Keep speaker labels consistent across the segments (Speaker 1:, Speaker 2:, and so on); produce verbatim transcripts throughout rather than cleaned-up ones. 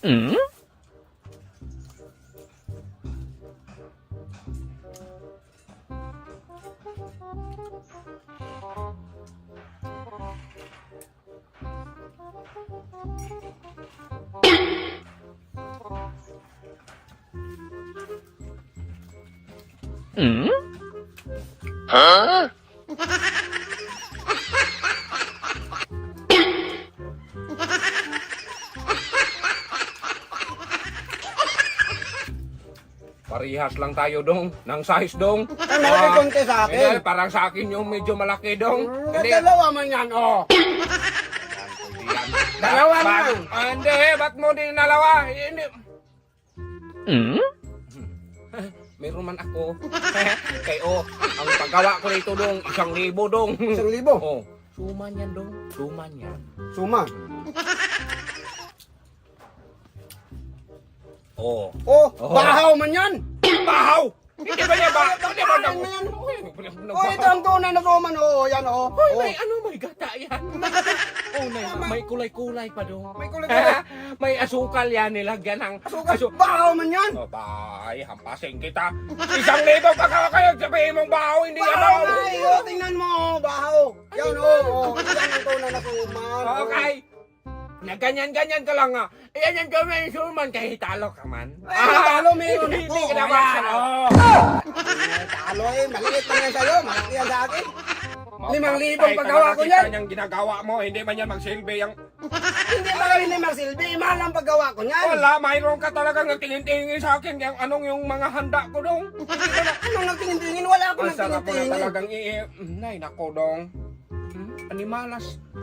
Speaker 1: Hmm? Hmm? Huh?
Speaker 2: Parihas lang tayo dong, ng size dong.
Speaker 3: Ang malaki konti sa akin.
Speaker 2: Hindi, parang sa akin yung medyo malaki dong.
Speaker 3: Hmm,
Speaker 2: Hindi,
Speaker 3: dalawa man yan, oh. Dalawa
Speaker 2: Ba-
Speaker 3: man.
Speaker 2: Ah, hindi, ba't mo din nalawa? Hindi.
Speaker 1: Hmm?
Speaker 2: Meron man ako. Kay oh, ang paggawa ko nito dong, isang libo dong.
Speaker 3: Isang libo?
Speaker 2: Oh, suman yan dong, suman yan.
Speaker 3: Suma.
Speaker 2: Oh.
Speaker 3: Oh,
Speaker 2: Oh.
Speaker 3: bahaw man yan.
Speaker 2: Bahaw! Hindi ba niya ba? Hindi ba
Speaker 3: Bahaw man yan.
Speaker 2: na?
Speaker 3: Oh, ito ang tunay na suman, oh. Yan, oh.
Speaker 2: Hoy,
Speaker 3: Oh.
Speaker 2: may ano, may gata yan. Oh, may, may kulay-kulay pa dong.
Speaker 3: May kulay-kulay.
Speaker 2: May asukal yan, nilagyan ng
Speaker 3: Sugat,
Speaker 2: asu-
Speaker 3: bahaw man yan.
Speaker 2: Oh, bay, hampasin kita. Isang libo pa ka kayo, sabihin mong bahaw, hindi yan
Speaker 3: Bahaw
Speaker 2: bahaw.
Speaker 3: na, eh. Oh, tingnan mo, oh. Bahaw. Yan, oh. Oh, yan ang tunay na suman. oh.
Speaker 2: Okay. Na ganyan-ganyan ka lang nga. Iyan yung gawin yung suman, kahit talo ka man.
Speaker 3: Ay, talo, meron
Speaker 2: Hindi
Speaker 3: ako.
Speaker 2: ka na
Speaker 3: Ayan,
Speaker 2: magsalo.
Speaker 3: oh. Eh, talo eh, maliit lang yan sa'yo, malaki yan sa akin. Limang libong
Speaker 2: Patay
Speaker 3: paggawa
Speaker 2: talaga
Speaker 3: ko
Speaker 2: kita
Speaker 3: yan.
Speaker 2: niyang ginagawa mo, hindi man yan magsilbi. Yung...
Speaker 3: Hindi ba kami ni Marsilbi, mahal ang paggawa ko niyan.
Speaker 2: Wala, mayroon ka talagang nagtingin-tingin sa akin. Yung anong yung mga handa ko dong. Hindi ko na...
Speaker 3: Anong nagtingin-tingin? Wala akong
Speaker 2: Ang sarap ko na
Speaker 3: nagtingin-tingin.
Speaker 2: talagang i... Nay, nako dong. Hmm? Animalas.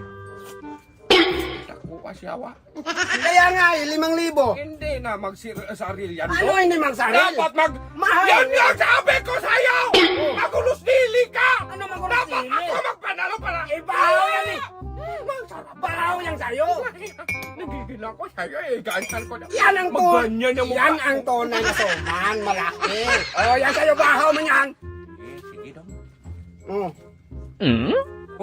Speaker 2: Naku, asyawa.
Speaker 3: Kaya nga eh, limang libo.
Speaker 2: Hindi na magsaril yan
Speaker 3: Ano
Speaker 2: dong.
Speaker 3: hindi magsaril?
Speaker 2: Dapat mag...
Speaker 3: Mahal.
Speaker 2: Yan yung sabi ko sa'yo! Magulos dili ka!
Speaker 3: Ano magulos
Speaker 2: Dapat
Speaker 3: dili?
Speaker 2: ako magpanalo para...
Speaker 3: Eh, bahaw yan eh.
Speaker 2: Masarap.
Speaker 3: Bahaw yan sa'yo.
Speaker 2: Nagigil ako sa'yo eh. Ganyan ko na.
Speaker 3: Yan ang tunay.
Speaker 2: Magganyan yung mukha.
Speaker 3: Yan ang tunay na suman, malaki. Oh, yan sa'yo, bahaw man yan.
Speaker 2: Eh, sige dong.
Speaker 3: Oh.
Speaker 1: Hmm?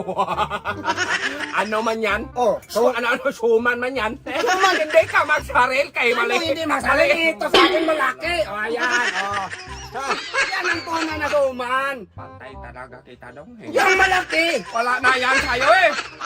Speaker 2: Ano man yan?
Speaker 3: Oh,
Speaker 2: So, ano, ano, suman man yan?
Speaker 3: Suman.
Speaker 2: Hindi ka magsaril kay
Speaker 3: Ano
Speaker 2: mali.
Speaker 3: hindi masaril? Ito sa akin malaki. Oh, yan. Oh. Ha, yan ang tunay na suman.
Speaker 2: Patay talaga kita dong. eh.
Speaker 3: Yan malaki.
Speaker 2: Wala na yan sa'yo eh.